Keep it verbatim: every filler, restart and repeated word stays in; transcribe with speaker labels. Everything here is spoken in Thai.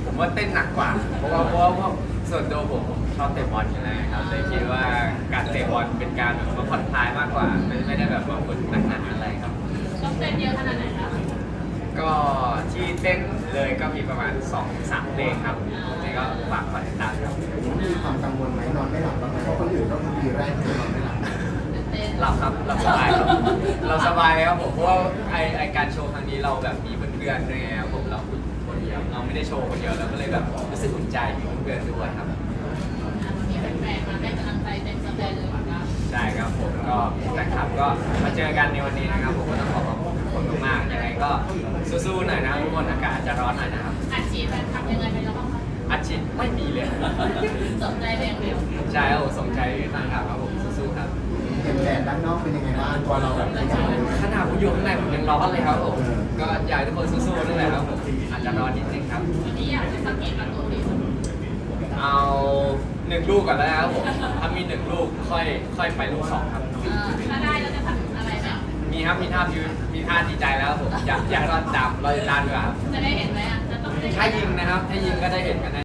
Speaker 1: ผมว่าเต้นหนักกว่าเพราะว่าเพราะว่าเพราะส่วนตัวผมผมชอบเตะบอลอยู่แล้วครับเลยคิดว่าการเตะบอลเป็นการแบบมาผ่อนคลายมากกว่าไม่ไม่ได้แบบว่าฝึกหนักๆอะไรครับ
Speaker 2: ต้องเต้นเยอะขนาดไหนคะ
Speaker 1: ก็ที่เต้นเลยก็มีประมาณสองสามเพลงครับนี่ก็ฝากฝากติดตามครับ
Speaker 3: มีความกังวลไหมนอนไม่หลับบ้างไหมเพราะคนอื่นก็คือปีแรกที่นอนไม่หลับ
Speaker 2: ตื่นเต้น
Speaker 1: หลับครับหลับสบายครับเราสบายครับผมเพราะว่าไอไอการโชว์ครั้งนี้เราแบบมีเพื่อนๆด้วยไงครับผมเราคนเดียวเราไม่ได้โชว์คนเดียวเราก็เลยแบบรู้สึกอุ่นใจมีเพื่อนๆด้วยครับ
Speaker 2: วันนี้แฟนๆมาให้กำลังใจเต็มสเตจเลยเหมือนกัน
Speaker 1: ใช่ครับผมก็แฟนคลับก็มาเจอกันในวันนี้นะครับผมก็ต้องขอขอบคุณทุกคนมากๆยังไงก็สู้ๆหน่อยนะครับทุกคนอากาศจะร้อนหน่อยนะครับ
Speaker 2: อัดฉีดแฟนคลับยังไงไปแล้วบ้างคะ
Speaker 1: อาชีพไม่มีเลย
Speaker 2: สนใจไปอย่างเดียว
Speaker 1: ใช่ครับผมสนใจแฟนคลับครับผมสู้ๆครับ
Speaker 3: เห็นแดดด้านนอกเป็นยังไงบ้างตัวเราแบบขยันเลยไหม
Speaker 1: ขนาดผมอยู่ข้างในผมยังร้อนเลยครับผมก็อยากให้ทุกคนสู้ๆนั่นแหละครับผมอาจจะร้อนนิดนึงครับ
Speaker 2: วันนี้อยากจะสังเกตประตูดีสุด
Speaker 1: เอาหนึ่งลูกก่อนแล้วนะครับผมถ้ามีหนึ่งลูกค่อยค่อยไปลูกสองครับ
Speaker 2: เออถ้าได้แล้วจะทำอะไรแบบ
Speaker 1: มีครับมีท่าพิวมีท่าดีใจแล้วครับผมอยากอยากรอดตามรอติดตามดีกว่าครับ
Speaker 2: จะได้เห็นไหมอ่ะจะต้องได้
Speaker 1: ถ้ายิงนะครับถ้ายิงก็ได้เห็นกันแน่